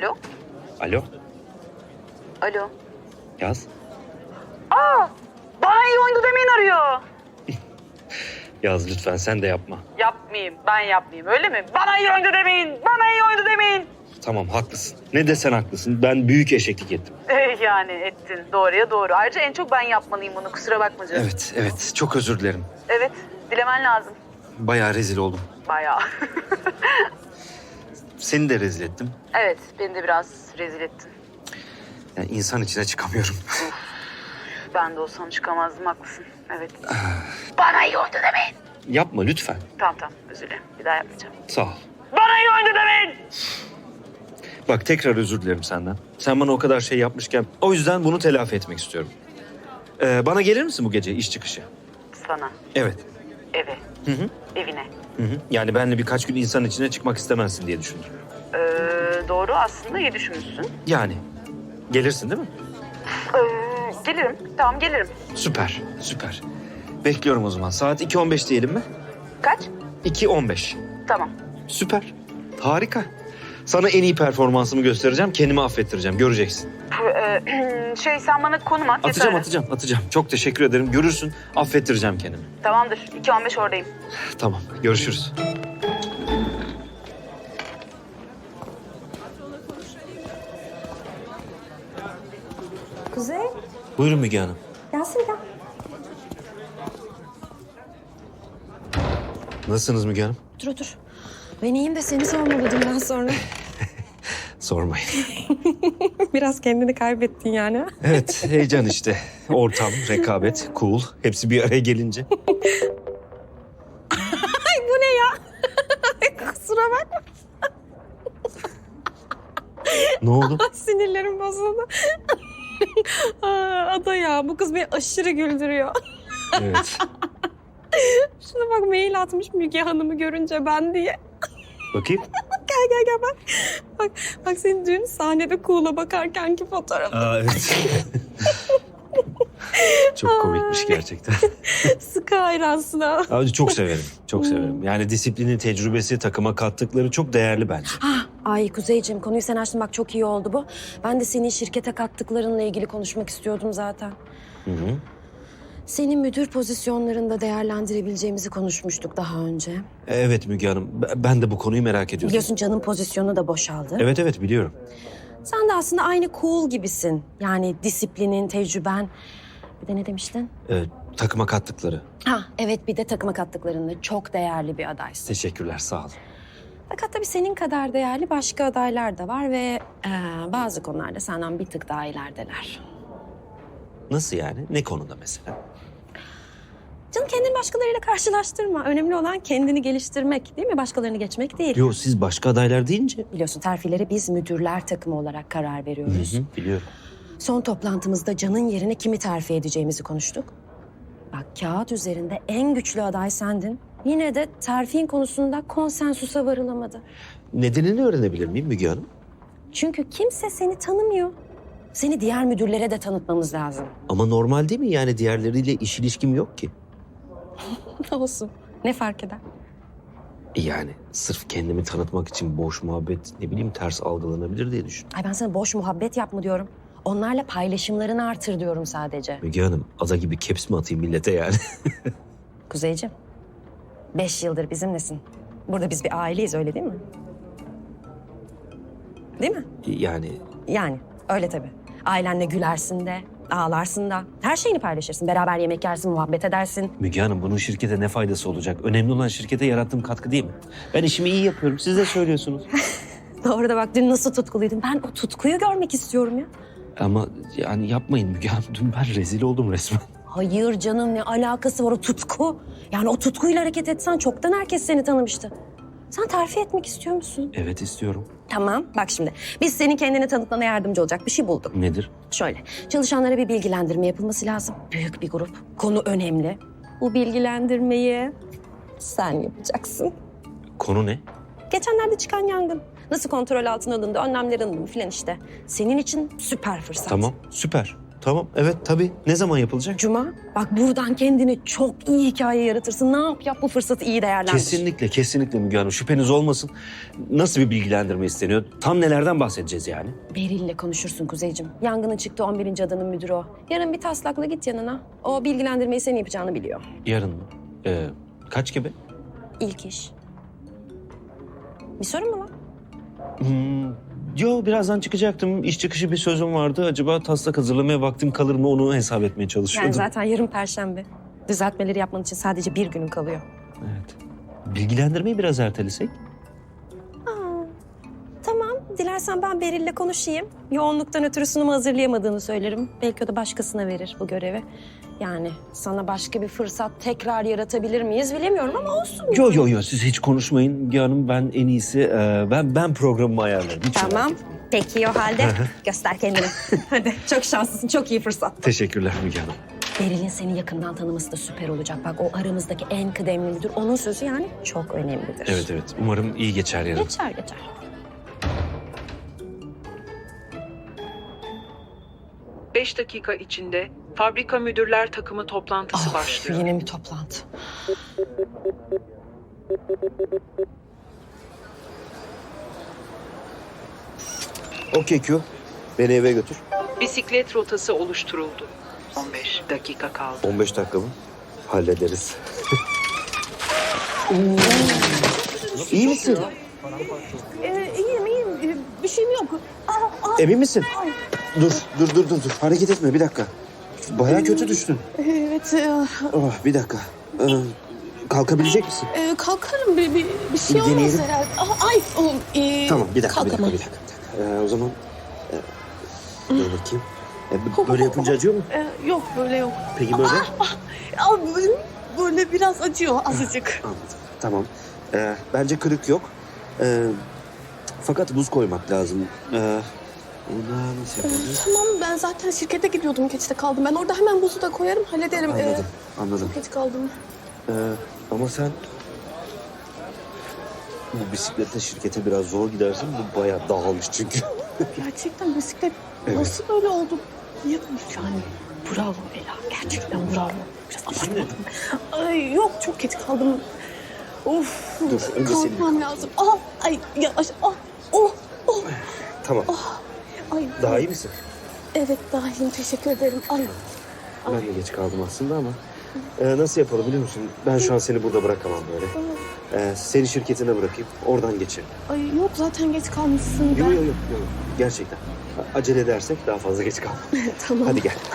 Alo? Alo, Alo? yaz. Bana iyi oyundu demeyin arıyor. Yaz lütfen, sen de yapma. Yapmayayım, ben yapmayayım öyle mi? Bana iyi oyundu demeyin, bana iyi oyundu demeyin. Tamam, haklısın. Ne desen haklısın. Ben büyük eşeklik ettim. Yani ettin, doğruya doğru. Ayrıca en çok ben yapmalıyım bunu, kusura bakma canım. Evet. Çok özür dilerim. Evet, dilemen lazım. Bayağı rezil oldum. Bayağı. Seni de rezil ettim. Evet, beni de biraz rezil ettin. Yani insan içine çıkamıyorum. Ben de olsam çıkamazdım, haklısın. Evet. Bana iyi oyundu demeyin. Yapma lütfen. Tamam, özür dilerim. Bir daha yapmayacağım. Sağ ol. Bana iyi oyundu demeyin. Bak, tekrar özür dilerim senden. Sen bana o kadar şey yapmışken o yüzden bunu telafi etmek istiyorum. Bana gelir misin bu gece iş çıkışı? Sana, Evet. eve, Hı. evine. Yani benle birkaç gün insan içine çıkmak istemezsin diye düşündüm. Doğru, aslında iyi düşünmüşsün. Yani gelirsin değil mi? Gelirim, tamam gelirim. Süper. Bekliyorum o zaman. Saat 2.15 diyelim mi? Kaç? 2.15. Tamam. Süper. Harika. Sana en iyi performansımı göstereceğim. Kendimi affettireceğim. Göreceksin. Sen bana konum at. yeter. Atacağım. Çok teşekkür ederim. Görürsün. Affettireceğim kendimi. Tamamdır, 2.15 oradayım. Tamam. Görüşürüz. Kuzey, Buyurun Müge Hanım. gelsene gel. Nasılsınız Müge Hanım? Otur. Ben iyiyim de seni sormalı dünden sonra. Sormayın. Biraz kendini kaybettin yani. Evet, heyecan işte. Ortam, rekabet, cool. Hepsi bir araya gelince. Ay bu ne ya? Kusura bakma. Ne oldu? Sinirlerim bozuldu. Ada ya, bu kız beni aşırı güldürüyor. Evet. Şuna bak, mail atmış Müge Hanım'ı görünce ben diye. Bakayım. Gel bak. Bak senin dün sahnede Kuğul'a bakarkenki fotoğrafı. Evet. Çok komikmiş gerçekten. Sıkı hayransın ha. Abi çok severim. Yani disiplini, tecrübesi, takıma kattıkları çok değerli bence. Ay Kuzeyciğim, konuyu sen açtın, bak çok iyi oldu bu. Ben de senin şirkete kattıklarınla ilgili konuşmak istiyordum zaten. Hı. Seni müdür pozisyonlarında değerlendirebileceğimizi konuşmuştuk daha önce. Evet Müge Hanım, ben de bu konuyu merak ediyordum. Biliyorsun Can'ın pozisyonu da boşaldı. Evet biliyorum. Sen de aslında aynı cool gibisin. Yani disiplinin, tecrüben. Bir de ne demiştin? Takıma kattıkları. Evet, bir de takıma kattıklarında çok değerli bir adaysın. Teşekkürler, sağ olun. Fakat tabii senin kadar değerli başka adaylar da var ve bazı konularda senden bir tık daha ilerideler. Nasıl yani? Ne konuda mesela? Canım, kendini başkalarıyla karşılaştırma. Önemli olan kendini geliştirmek, değil mi? Başkalarını geçmek değil. Yo, siz başka adaylar deyince. Biliyorsun, terfilere biz müdürler takımı olarak karar veriyoruz. Biliyorum. Son toplantımızda Can'ın yerine kimi terfi edeceğimizi konuştuk. Bak, kağıt üzerinde en güçlü aday sendin. Yine de terfin konusunda konsensusa varılamadı. Nedenini öğrenebilir miyim Müge Hanım? Çünkü kimse seni tanımıyor. Seni diğer müdürlere de tanıtmamız lazım. Ama normal değil mi? Yani diğerleriyle iş ilişkim yok ki. Olsun. Ne fark eder? Yani sırf kendimi tanıtmak için boş muhabbet, ne bileyim, ters algılanabilir diye düşün. Ay, ben sana boş muhabbet yapma diyorum. Onlarla paylaşımlarını artır diyorum sadece. Müge Hanım, ada gibi caps mi atayım millete yani? Kuzeyciğim, 5 yıldır bizimlesin. Burada biz bir aileyiz, öyle değil mi? Değil mi? Yani Öyle tabii. Ailenle gülersin de, ağlarsın da. Her şeyini paylaşırsın. Beraber yemek yersin, muhabbet edersin. Müge Hanım, bunun şirkete ne faydası olacak? Önemli olan şirkete yarattığım katkı değil mi? Ben işimi iyi yapıyorum. Siz de söylüyorsunuz. Doğru da bak, dün nasıl tutkuluydun. Ben o tutkuyu görmek istiyorum ya. Ama yani yapmayın Müge Hanım. Dün ben rezil oldum resmen. Hayır canım, ne alakası var o tutku? Yani o tutkuyla hareket etsen çoktan herkes seni tanımıştı. Sen terfi etmek istiyor musun? Evet, istiyorum. Tamam, bak şimdi. Biz senin kendini tanıtmana yardımcı olacak bir şey bulduk. Nedir? Şöyle, çalışanlara bir bilgilendirme yapılması lazım. Büyük bir grup. Konu önemli. Bu bilgilendirmeyi sen yapacaksın. Konu ne? Geçenlerde çıkan yangın. Nasıl kontrol altına alındı, önlemler alındı filan işte. Senin için süper fırsat. Tamam, süper. Tamam. Evet tabii. Ne zaman yapılacak? Cuma, bak buradan kendini çok iyi hikaye yaratırsın. Ne yap bu fırsatı iyi değerlendir. Kesinlikle Müge Hanım. Şüpheniz olmasın. Nasıl bir bilgilendirme isteniyor? Tam nelerden bahsedeceğiz yani? Beril'le konuşursun Kuzeyciğim. Yangının çıktı 11. adanın müdürü o. Yarın bir taslakla git yanına. O bilgilendirmeyi senin yapacağını biliyor. Yarın mı? Kaç gibi? İlk iş. Bir sorun mu var? Yo birazdan çıkacaktım. İş çıkışı bir sözüm vardı. Acaba taslak hazırlamaya vaktim kalır mı onu hesap etmeye çalışıyordum. Yani zaten yarın Perşembe. Düzeltmeleri yapman için sadece bir günün kalıyor. Evet. Bilgilendirmeyi biraz ertelesek? Tamam, dilersen ben Beril'le konuşayım. Yoğunluktan ötürü sunumu hazırlayamadığını söylerim. Belki o da başkasına verir bu görevi. Yani sana başka bir fırsat tekrar yaratabilir miyiz bilemiyorum ama olsun. Yo siz hiç konuşmayın Müge Hanım. Ben en iyisi ben programımı ayarlarım. Hiç merak Tamam, etmeyin. peki o halde göster kendini. Hadi, çok şanslısın, çok iyi fırsat. Teşekkürler Müge Hanım. Beril'in seni yakından tanıması da süper olacak. Bak o aramızdaki en kıdemli müdür. Onun sözü yani çok önemlidir. Evet. Umarım iyi geçer yarın. Geçer. 5 dakika içinde fabrika müdürler takımı toplantısı başlıyor. Yine bir toplantı. Okey Q. Beni eve götür. Bisiklet rotası oluşturuldu. 15 dakika kaldı. 15 dakika mı? Hallederiz. İyi misin? İyiyim. Bir şeyim yok. Emin misin? Dur. Hareket etme bir dakika. Bayağı kötü düştün. Evet, Oh, bir dakika. Kalkabilecek misin? kalkarım. Bir şey Bir olmaz deneyelim. herhalde. Tamam bir dakika. kalkamam. O zaman dur bakayım. Böyle yapınca acıyor mu? Yok, böyle yok. Peki böyle? Böyle biraz acıyor, azıcık. Anladım. Tamam. Bence kırık yok. Fakat buz koymak lazım. Ona nasıl yapalım? Tamam, ben zaten şirkete gidiyordum. Geçte kaldım. Ben orada hemen buzu da koyarım, hallederim. Anladım. Geç kaldım. Ama sen bu bisikletle şirkete biraz zor gidersin. Bu bayağı dağılmış çünkü. Gerçekten bisiklet Evet. nasıl böyle oldu? Niye yani? Bravo Ela, gerçekten bravo. Biraz abartmadım. Ay yok, çok geç kaldım. Of. Dur, önce seni kalkmam lazım. Ay yavaş. Tamam. Ay. Daha iyi misin? Evet, daha iyiyim. Teşekkür ederim. Ay. Ben de geç kaldım aslında ama nasıl yapalım biliyor musun? Ben şu an seni burada bırakamam böyle. Seni şirketine bırakayım. Oradan geçelim. Ay yok, zaten geç kalmışsın. Yok. Gerçekten. Acele edersek daha fazla geç kalmam. Tamam. Hadi gel.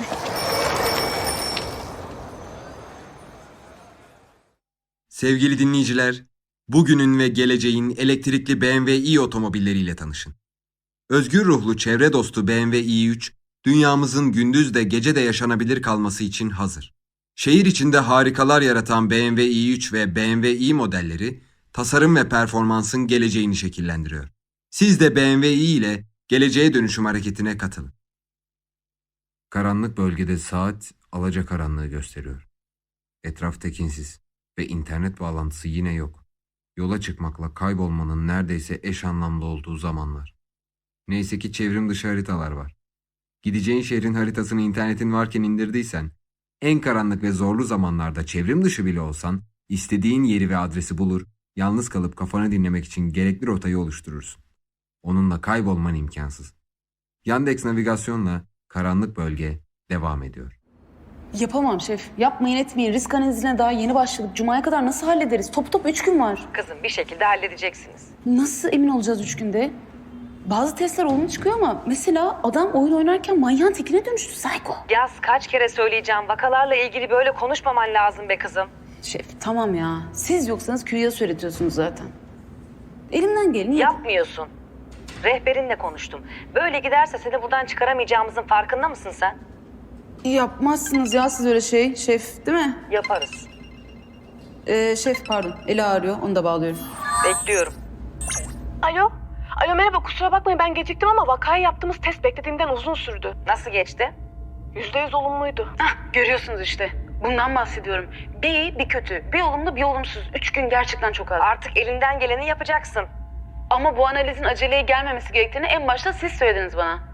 Sevgili dinleyiciler, bugünün ve geleceğin elektrikli BMW i otomobilleriyle tanışın. Özgür ruhlu çevre dostu BMW i3, dünyamızın gündüz de gece de yaşanabilir kalması için hazır. Şehir içinde harikalar yaratan BMW i3 ve BMW i modelleri, tasarım ve performansın geleceğini şekillendiriyor. Siz de BMW i ile geleceğe dönüşüm hareketine katılın. Karanlık bölgede saat alacakaranlığı gösteriyor. Etraf tekinsiz ve internet bağlantısı yine yok. Yola çıkmakla kaybolmanın neredeyse eş anlamlı olduğu zamanlar. Neyse ki çevrim dışı haritalar var. Gideceğin şehrin haritasını internetin varken indirdiysen, en karanlık ve zorlu zamanlarda çevrim dışı bile olsan, istediğin yeri ve adresi bulur, yalnız kalıp kafanı dinlemek için gerekli rotayı oluşturursun. Onunla kaybolman imkansız. Yandex navigasyonla karanlık bölge devam ediyor. Yapamam şef. Yapmayın etmeyin. Risk analizine daha yeni başladık. Cuma'ya kadar nasıl hallederiz? Top 3 gün var. Kızım bir şekilde halledeceksiniz. Nasıl emin olacağız 3 günde? Bazı testler olumlu çıkıyor ama mesela adam oyun oynarken manyağın tekine dönüştü. Psycho. Yaz kaç kere söyleyeceğim. Vakalarla ilgili böyle konuşmaman lazım be kızım. Şef tamam ya. Siz yoksanız Q'ya söyletiyorsunuz zaten. Elimden geleni Yapmıyorsun. Rehberinle konuştum. Böyle giderse seni buradan çıkaramayacağımızın farkında mısın sen? Yapmazsınız ya siz öyle şey. Şef değil mi? Yaparız. Şef pardon. Ela arıyor. Onu da bağlıyorum. Bekliyorum. Alo merhaba, kusura bakmayın ben geciktim ama vakayı yaptığımız test beklediğimden uzun sürdü. Nasıl geçti? %100 olumluydu. Görüyorsunuz işte. Bundan bahsediyorum. Bir iyi bir kötü. Bir olumlu bir olumsuz. 3 gün gerçekten çok az. Artık elinden geleni yapacaksın. Ama bu analizin aceleye gelmemesi gerektiğini en başta siz söylediniz bana.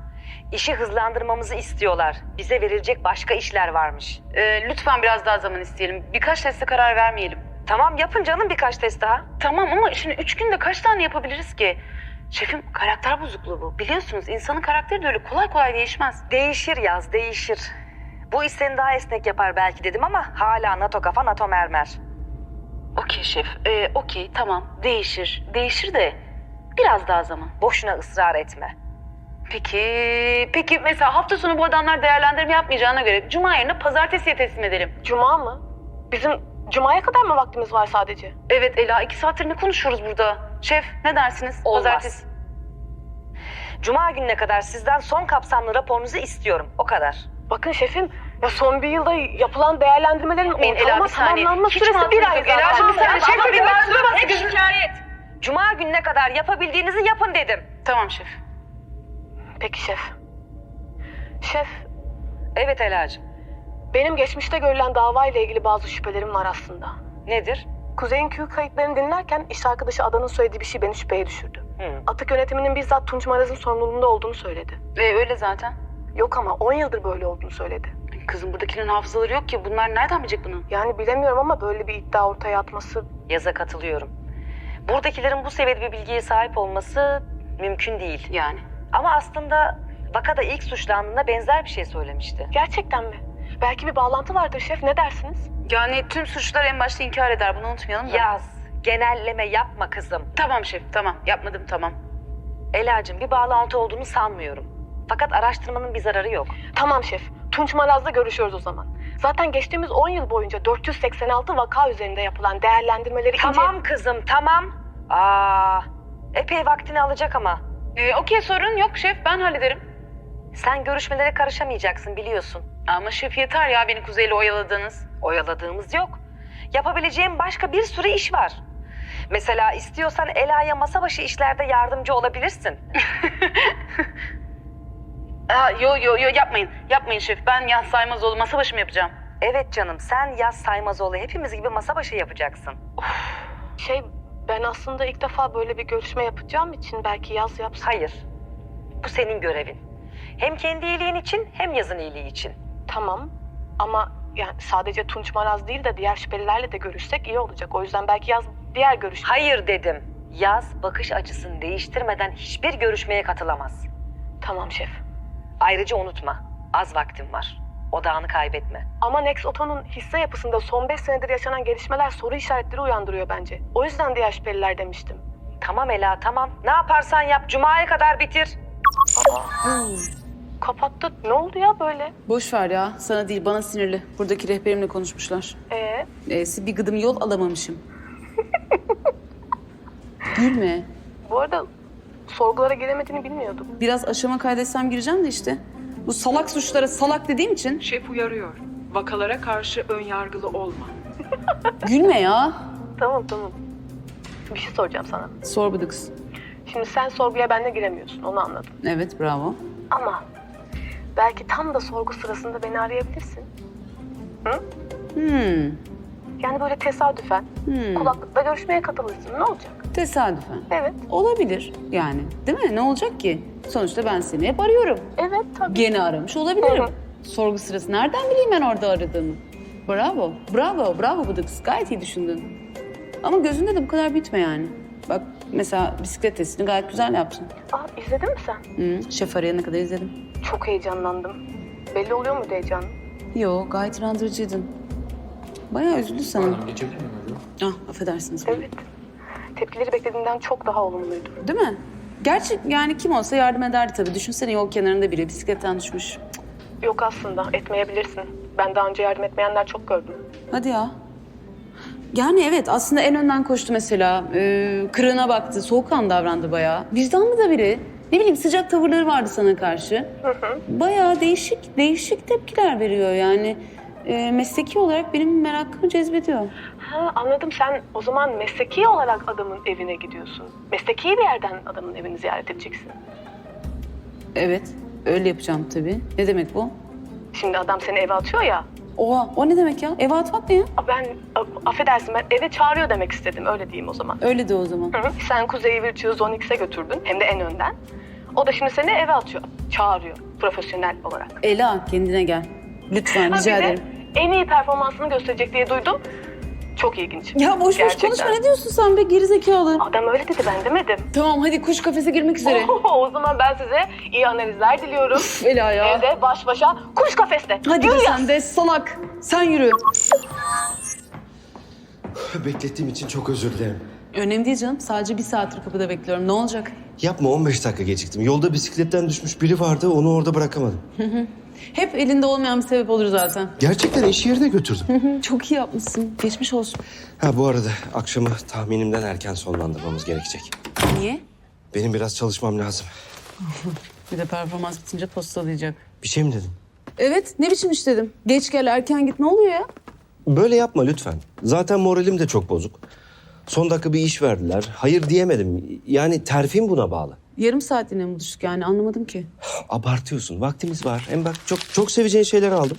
İşi hızlandırmamızı istiyorlar. Bize verilecek başka işler varmış. Lütfen biraz daha zaman isteyelim. Birkaç teste karar vermeyelim. Tamam yapın canım birkaç test daha. Tamam ama şimdi 3 günde kaç tane yapabiliriz ki? Şefim karakter bozukluğu bu. Biliyorsunuz insanın karakteri de öyle kolay kolay değişmez. Değişir Yaz, değişir. Bu iş seni daha esnek yapar belki dedim ama hala NATO kafa NATO mermer. Okey şef. Okey tamam değişir. Değişir de biraz daha zaman. Boşuna ısrar etme. Peki mesela hafta sonu bu adamlar değerlendirme yapmayacağına göre Cuma yerine pazartesiye teslim edelim. Cuma mı? Bizim Cuma'ya kadar mı vaktimiz var sadece? Evet Ela 2 saattir ne konuşuyoruz burada? Şef ne dersiniz? Olmaz. Pazartesi. Cuma gününe kadar sizden son kapsamlı raporunuzu istiyorum. O kadar. Bakın şefim, ya son bir yılda yapılan değerlendirmelerin Ela, ortalama bir saniye. tamamlanma Hiç süresi bir ay zaten. Ela'cığım bir saniye. Şef bir bak. Hep şikayet. Cuma gününe kadar yapabildiğinizi yapın dedim. Tamam şef. Peki şef. Şef, Evet Ela'cığım. benim geçmişte görülen davayla ilgili bazı şüphelerim var aslında. Nedir? Kuzey'in Q kayıtlarını dinlerken iş arkadaşı Adan'ın söylediği bir şey beni şüpheye düşürdü. Atık yönetiminin bizzat Tunç Maraz'ın sorumluluğunda olduğunu söyledi. Öyle zaten. Yok ama 10 yıldır böyle olduğunu söyledi. Kızım buradakilerin hafızaları yok ki. Bunlar nereden bilecek bunu? Yani bilemiyorum ama böyle bir iddia ortaya atması... Yaz'a katılıyorum. Buradakilerin bu seviyede bir bilgiye sahip olması mümkün değil. Yani. Ama aslında vakada ilk suçlandığında benzer bir şey söylemişti. Gerçekten mi? Belki bir bağlantı vardır şef, ne dersiniz? Yani tüm suçlular en başta inkar eder. Bunu unutmayalım da. Yaz, genelleme yapma kızım. Tamam şef tamam. Yapmadım tamam. Ela'cığım bir bağlantı olduğunu sanmıyorum. Fakat araştırmanın bir zararı yok. Tamam şef, Tunç Maraz'la görüşüyoruz o zaman. Zaten geçtiğimiz 10 yıl boyunca 486 vaka üzerinde yapılan değerlendirmeleri... Tamam kızım tamam. Epey vaktini alacak ama. Okey sorun yok şef. Ben hallederim. Sen görüşmelere karışamayacaksın biliyorsun. Ama şef yeter ya beni Kuzey'le oyaladığınız. Oyaladığımız yok. Yapabileceğim başka bir sürü iş var. Mesela istiyorsan Ela'ya masa başı işlerde yardımcı olabilirsin. Yo yapmayın. Yapmayın şef. Ben Yaz Saymazoğlu masa başı mı yapacağım? Evet canım sen Yaz Saymazoğlu hepimiz gibi masa başı yapacaksın. Ben aslında ilk defa böyle bir görüşme yapacağım için belki Yaz yapsın. Hayır. Bu senin görevin. Hem kendi iyiliğin için hem Yaz'ın iyiliği için. Tamam ama yani sadece Tunç Maraz değil de diğer şüphelilerle de görüşsek iyi olacak. O yüzden belki Yaz diğer görüşme... Hayır dedim. Yaz bakış açısını değiştirmeden hiçbir görüşmeye katılamaz. Tamam şef. Ayrıca unutma, az vaktin var. Odağını kaybetme. Ama Nex Oto'nun hisse yapısında son 5 senedir yaşanan gelişmeler soru işaretleri uyandırıyor bence. O yüzden diğer şüpheliler demiştim. Tamam Ela, tamam. Ne yaparsan yap, Cuma'ya kadar bitir. Kapattı. Ne oldu ya böyle? Boş ver ya. Sana değil bana sinirli. Buradaki rehberimle konuşmuşlar. Bir gıdım yol alamamışım. Gülme. Bu arada sorgulara giremediğini bilmiyordum. Biraz aşama kaydetsem gireceğim de işte. Bu salak suçlara salak dediğim için. Şef uyarıyor. Vakalara karşı ön yargılı olma. Gülme ya. Tamam. Bir şey soracağım sana. Sor bu kız. Şimdi sen sorguya benimle giremiyorsun, onu anladım. Evet bravo. Ama belki tam da sorgu sırasında beni arayabilirsin. Yani böyle tesadüfen kulaklıkla görüşmeye katılırsın. Ne olacak? Tesadüfen. Evet. Olabilir yani. Değil mi? Ne olacak ki? Sonuçta ben seni hep arıyorum. Evet tabii. Gene aramış olabilirim. Hı. Sorgu sırası nereden bileyim ben orada aradığını? Bravo Bıdıkız. Gayet iyi düşündün. Ama gözünde de bu kadar bitme yani. Bak mesela bisiklet testini gayet güzel yaptın. İzledin mi sen? Şef arayana kadar izledim. Çok heyecanlandım. Belli oluyor muydu heyecanın? Yo gayet inandırıcıydın. Bayağı üzüldü sana. Geçebilir miyim hocam? Affedersiniz. Evet. Tepkileri beklediğimden çok daha olumluydu. Değil mi? Gerçi yani kim olsa yardım ederdi tabii. Düşünsene yol kenarında biri bisikletten düşmüş. Yok aslında, etmeyebilirsin. Ben daha önce yardım etmeyenler çok gördüm. Hadi ya. Yani evet aslında en önden koştu mesela. Kırığına baktı, soğukkanlı davrandı bayağı. Vicdanlı da biri. Ne bileyim sıcak tavırları vardı sana karşı. Bayağı değişik tepkiler veriyor yani. Mesleki olarak benim merakımı cezbediyor. Anladım. Sen o zaman mesleki olarak adamın evine gidiyorsun. Mesleki bir yerden adamın evini ziyaret edeceksin. Evet, öyle yapacağım tabii. Ne demek bu? Şimdi adam seni eve atıyor ya. Oha, o ne demek ya? Eve atmak ne ya? Affedersin ben eve çağırıyor demek istedim. Öyle diyeyim o zaman. Öyle de o zaman. Sen Kuzey'i Virtue Zone X'e götürdün. Hem de en önden. O da şimdi seni eve atıyor. Çağırıyor profesyonel olarak. Ela kendine gel. Lütfen Ha, rica bir de ederim. en iyi performansını gösterecek diye duydum. Çok ilginç. Ya boş boş Gerçekten. konuşma, ne diyorsun sen be gerizekalı? Adam öyle dedi, ben demedim. Tamam hadi kuş kafese girmek üzere. O zaman ben size iyi analizler diliyorum. Ela ya. Evde baş başa kuş kafeste. Hadi Yürü be ya. sen de salak. Sen yürü. Beklettiğim için çok özür dilerim. Önemli değil canım. Sadece 1 saattir kapıda bekliyorum. Ne olacak? Yapma 15 dakika geciktim. Yolda bisikletten düşmüş biri vardı onu orada bırakamadım. Hep elinde olmayan bir sebep olur zaten. Gerçekten iş yerine götürdüm. Çok iyi yapmışsın. Geçmiş olsun. Ha bu arada akşamı tahminimden erken sonlandırmamız gerekecek. Niye? Benim biraz çalışmam lazım. Bir de performans bitince postalayacak. Bir şey mi dedim? Evet, ne biçim iş dedim. Geç gel, erken git. Ne oluyor ya? Böyle yapma lütfen. Zaten moralim de çok bozuk. Son dakika bir iş verdiler. Hayır diyemedim. Yani terfim buna bağlı. Yarım saatliğine mi buluştuk yani? Anlamadım ki. Abartıyorsun. Vaktimiz var. Hem bak çok seveceğin şeyler aldım.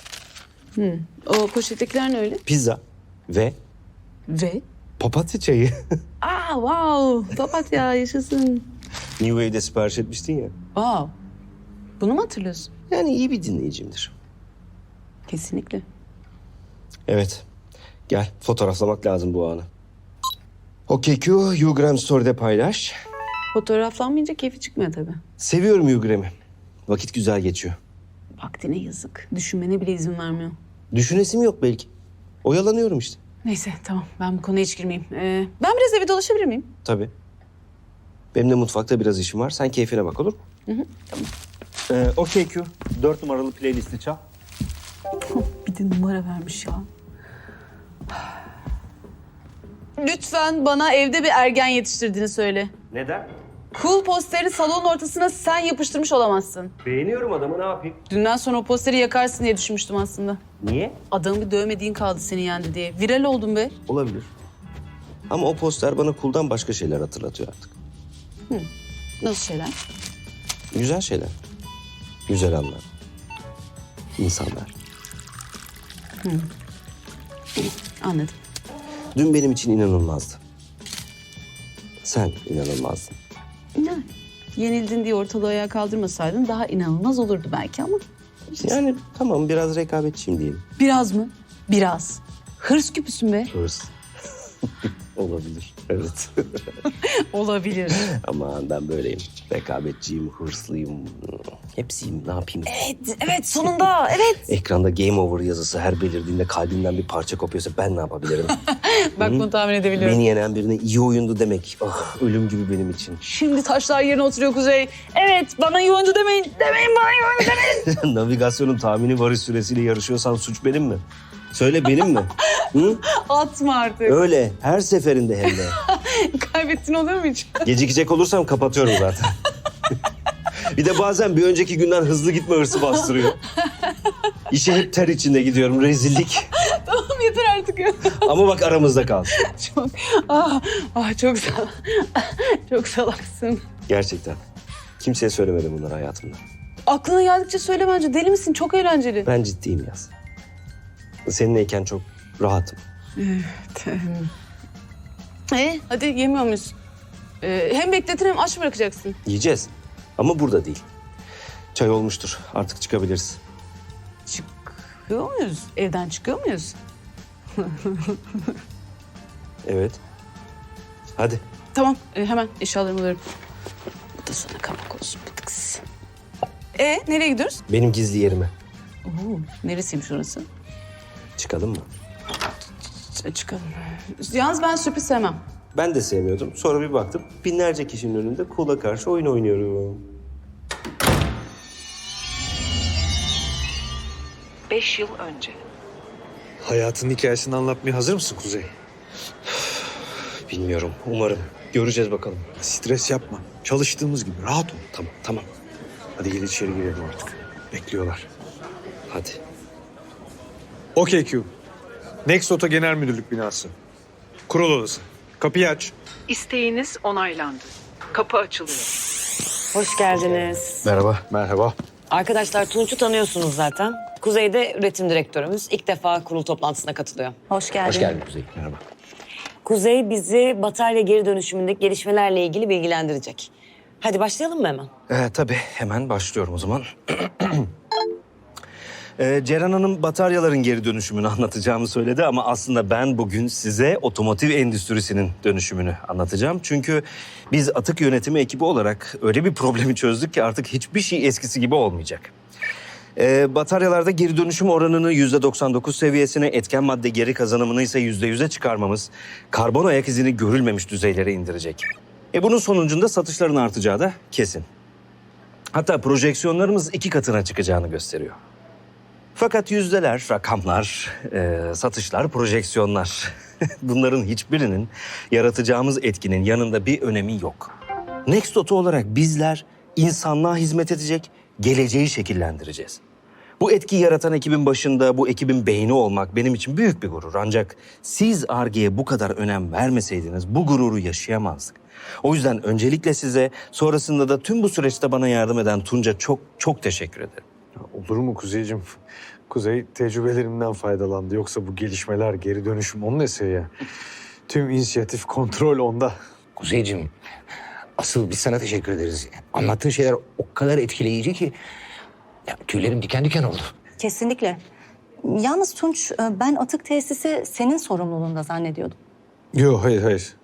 O poşettekiler ne öyle? Pizza ve Ve? papatya çayı. Aa, wow. Papatya yaşasın. New Wave'de sipariş etmiştin ya. Wow. Bunu mu hatırlıyorsun? Yani iyi bir dinleyicimdir. Kesinlikle. Evet. Gel fotoğraflamak lazım bu anı. OkQ, Ugram Story'de paylaş. Fotoğraflanmayınca keyfi çıkmıyor tabii. Seviyorum Ugram'ı. Vakit güzel geçiyor. Vaktine yazık. Düşünmene bile izin vermiyor. Düşünesim yok belki. Oyalanıyorum işte. Neyse tamam, ben bu konuya hiç girmeyeyim. Ben biraz eve dolaşabilir miyim? Tabii. Benim de mutfakta biraz işim var. Sen keyfine bak olur mu? Tamam. OkQ, 4 numaralı playlisti çal. Bir de numara vermiş ya. Lütfen bana evde bir ergen yetiştirdiğini söyle. Neden? Cool posterini salonun ortasına sen yapıştırmış olamazsın. Beğeniyorum adamı, ne yapayım? Dünden sonra o posteri yakarsın diye düşünmüştüm aslında. Niye? Adamı bir dövmediğin kaldı seni yendi diye. Viral oldun be. Olabilir. Ama o poster bana kuldan başka şeyler hatırlatıyor artık. Nasıl şeyler? Güzel şeyler. Güzel anlar. İnsanlar. Anladım. Dün benim için inanılmazdı. Sen inanılmazdın. Yani yenildin diye ortalığı ayağa kaldırmasaydın daha inanılmaz olurdu belki ama. Yani tamam biraz rekabetçiyim diyelim. Biraz mı? Biraz. Hırs küpüsün be. Hırs. Olabilir. Evet. Olabilir. Aman ben böyleyim. Rekabetçiyim, hırslıyım. Hepsiyim. Ne yapayım? Evet sonunda evet. Ekranda game over yazısı her belirdiğinde kalbimden bir parça kopuyorsa ben ne yapabilirim? Bak bunu tahmin edebiliyorum. Beni yenen birine iyi oyundu demek. Ah, ölüm gibi benim için. Şimdi taşlar yerine oturuyor Kuzey. Evet bana iyi oyuncu demeyin. Demeyin bana iyi oyuncu demeyin. Navigasyonun tahmini varış süresiyle yarışıyorsan suç benim mi? Söyle benim mi? Hı? Atma artık. Öyle. Her seferinde hem de. Kaybettin oluyor mu hiç? Gecikecek olursam kapatıyorum zaten. Bir de bazen bir önceki günden hızlı gitme hırsı bastırıyor. İşe hep ter içinde gidiyorum. Rezillik. Tamam yeter artık ya. Ama bak aramızda kal. Çok, çok çok salaksın. Gerçekten. Kimseye söylemedim bunları hayatımda. Aklına geldikçe söyle bence. Deli misin? Çok eğlenceli. Ben ciddiyim Yaz. Seninleyken çok rahatım. Hadi yemiyor muyuz? Hem bekletin hem aç bırakacaksın. Yiyeceğiz. Ama burada değil. Çay olmuştur. Artık çıkabiliriz. Çıkıyor muyuz? Evden çıkıyor muyuz? Evet. Hadi. Tamam hemen eşyalarımı alıyorum. Bu da sana kapak olsun bir tıks. Nereye gidiyoruz? Benim gizli yerime. Neresiymiş orası? Çıkalım mı? Çıkalım. Yalnız ben sürpriz sevmem. Ben de sevmiyordum. Sonra bir baktım binlerce kişinin önünde Cool'a karşı oyun oynuyorum. 5 yıl önce. Hayatın hikayesini anlatmaya hazır mısın Kuzey? Bilmiyorum. Umarım. Göreceğiz bakalım. Stres yapma. Çalıştığımız gibi rahat ol. Tamam. Hadi gel içeri girelim artık. Bekliyorlar. Hadi. OkQ. Next Auto Genel Müdürlük binası. Kurul odası. Kapıyı aç. İsteğiniz onaylandı. Kapı açılıyor. Hoş geldiniz. Merhaba. Merhaba. Arkadaşlar Tunç'u tanıyorsunuz zaten. Kuzey'de üretim direktörümüz. İlk defa kurul toplantısına katılıyor. Hoş geldin. Hoş geldin Kuzey. Merhaba. Kuzey bizi batarya geri dönüşümündeki gelişmelerle ilgili bilgilendirecek. Hadi başlayalım mı hemen? Tabii hemen başlıyorum o zaman. Ceren Hanım bataryaların geri dönüşümünü anlatacağımı söyledi ama aslında ben bugün size otomotiv endüstrisinin dönüşümünü anlatacağım. Çünkü biz atık yönetimi ekibi olarak öyle bir problemi çözdük ki artık hiçbir şey eskisi gibi olmayacak. Bataryalarda geri dönüşüm oranını %99 seviyesine, etken madde geri kazanımını ise %100'e çıkarmamız karbon ayak izini görülmemiş düzeylere indirecek. Bunun sonucunda satışların artacağı da kesin. Hatta projeksiyonlarımız 2 katına çıkacağını gösteriyor. Fakat yüzdeler, rakamlar, satışlar, projeksiyonlar bunların hiçbirinin yaratacağımız etkinin yanında bir önemi yok. Next Auto olarak bizler insanlığa hizmet edecek, geleceği şekillendireceğiz. Bu etkiyi yaratan ekibin başında, bu ekibin beyni olmak benim için büyük bir gurur. Ancak siz Ar-Ge'ye bu kadar önem vermeseydiniz bu gururu yaşayamazdık. O yüzden öncelikle size, sonrasında da tüm bu süreçte bana yardım eden Tunç'a çok teşekkür ederim. Olur mu Kuzey'cim? Kuzey tecrübelerimden faydalandı. Yoksa bu gelişmeler, geri dönüşüm onun eseri ya. Tüm inisiyatif, kontrol onda. Kuzeyciğim, asıl biz sana teşekkür ederiz. Anlattığın şeyler o kadar etkileyici ki ya, tüylerim diken diken oldu. Kesinlikle. Yalnız Tunç, ben atık tesisi senin sorumluluğunda zannediyordum. Yok, hayır.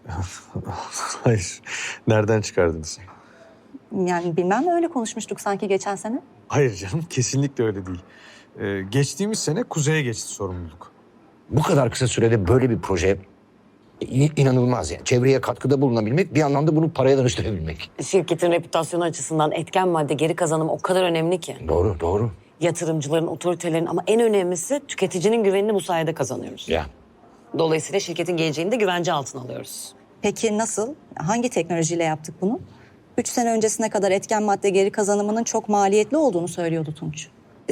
Hayır. Nereden çıkardınız? Yani bilmem, öyle konuşmuştuk sanki geçen sene. Hayır canım, kesinlikle öyle değil. Geçtiğimiz sene Kuzey'e geçti sorumluluk. Bu kadar kısa sürede böyle bir proje inanılmaz yani. Çevreye katkıda bulunabilmek, bir yandan da bunu paraya dönüştürebilmek. Şirketin reputasyonu açısından etken madde geri kazanımı o kadar önemli ki. Doğru. Yatırımcıların, otoritelerin ama en önemlisi tüketicinin güvenini bu sayede kazanıyoruz. Ya. Dolayısıyla şirketin geleceğini de güvence altına alıyoruz. Peki nasıl? Hangi teknolojiyle yaptık bunu? 3 sene öncesine kadar etken madde geri kazanımının çok maliyetli olduğunu söylüyordu Tunç.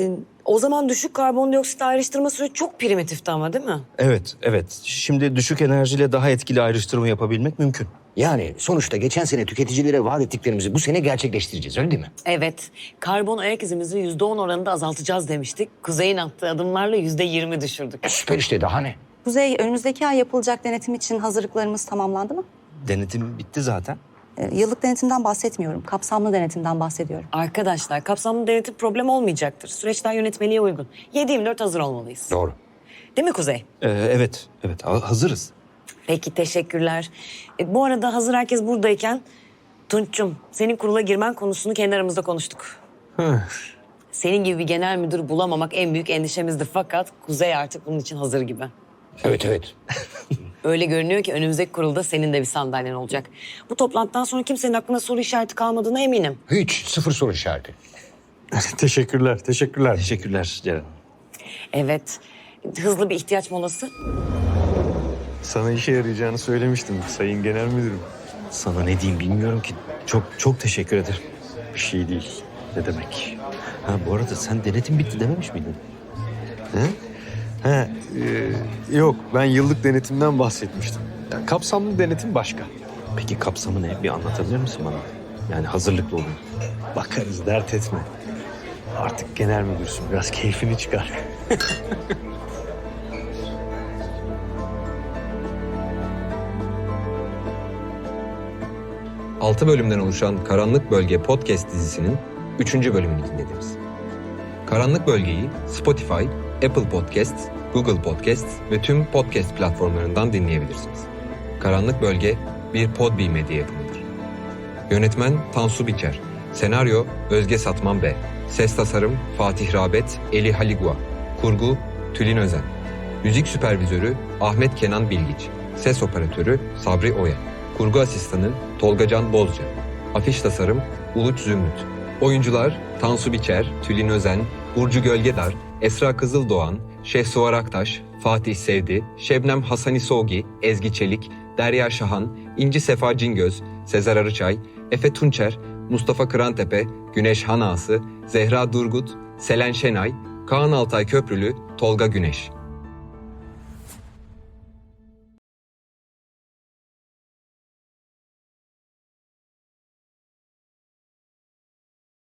O zaman düşük karbondioksit ayrıştırma süreci çok primitifti ama değil mi? Evet. Şimdi düşük enerjiyle daha etkili ayrıştırma yapabilmek mümkün. Yani sonuçta geçen sene tüketicilere vaat ettiklerimizi bu sene gerçekleştireceğiz, öyle değil mi? Evet. Karbon ayak izimizi %10 oranında azaltacağız demiştik. Kuzey'in attığı adımlarla %20 düşürdük. Süper işte, daha ne? Kuzey, önümüzdeki ay yapılacak denetim için hazırlıklarımız tamamlandı mı? Denetim bitti zaten. Yıllık denetimden bahsetmiyorum. Kapsamlı denetimden bahsediyorum. Arkadaşlar kapsamlı denetim problem olmayacaktır. Süreçler yönetmeliğe uygun. 7/24 hazır olmalıyız. Doğru. Değil mi Kuzey? Evet. Hazırız. Peki teşekkürler. Bu arada hazır herkes buradayken Tunç'cum senin kurula girmen konusunu kendi aramızda konuştuk. Senin gibi bir genel müdür bulamamak en büyük endişemizdi fakat Kuzey artık bunun için hazır gibi. Evet. Öyle görünüyor ki önümüzdeki kurulda senin de bir sandalyen olacak. Bu toplantıdan sonra kimsenin aklına soru işareti kalmadığına eminim. Hiç, sıfır soru işareti. Teşekkürler. Teşekkürler Ceren. Evet. Hızlı bir ihtiyaç molası. Sana işe yarayacağını söylemiştim Sayın Genel Müdürüm. Sana ne diyeyim bilmiyorum ki. Çok teşekkür ederim. Bir şey değil. Ne demek? Bu arada sen denetim bitti dememiş miydin? Yok, ben yıllık denetimden bahsetmiştim. Yani kapsamlı denetim başka. Peki kapsamı ne? Bir anlatabilir misin bana? Yani hazırlıklı olun. Bakarız, dert etme. Artık genel müdürsün, biraz keyfini çıkar. 6 bölümden oluşan Karanlık Bölge podcast dizisinin 3. bölümünü dinlediniz. Karanlık Bölge'yi Spotify, Apple Podcasts, Google Podcasts ve tüm podcast platformlarından dinleyebilirsiniz. Karanlık Bölge bir Podbi medya yapımıdır. Yönetmen Tansu Biçer, senaryo Özge Satman B, ses tasarım Fatih Rabet, Eli Haligua, kurgu Tülin Özen, müzik süpervizörü Ahmet Kenan Bilgiç, ses operatörü Sabri Oya, kurgu asistanı Tolga Can Bozca, afiş tasarım Uluç Zümrüt. Oyuncular Tansu Biçer, Tülin Özen, Burcu Gölgedar, Esra Kızıldoğan, Şehsuvar Aktaş, Fatih Sevdi, Şebnem Hasani Soğgi, Ezgi Çelik, Derya Şahan, İnci Sefa Cingöz, Sezer Arıçay, Efe Tunçer, Mustafa Kırantepe, Güneş Hanası, Zehra Durgut, Selen Şenay, Kaan Altay Köprülü, Tolga Güneş.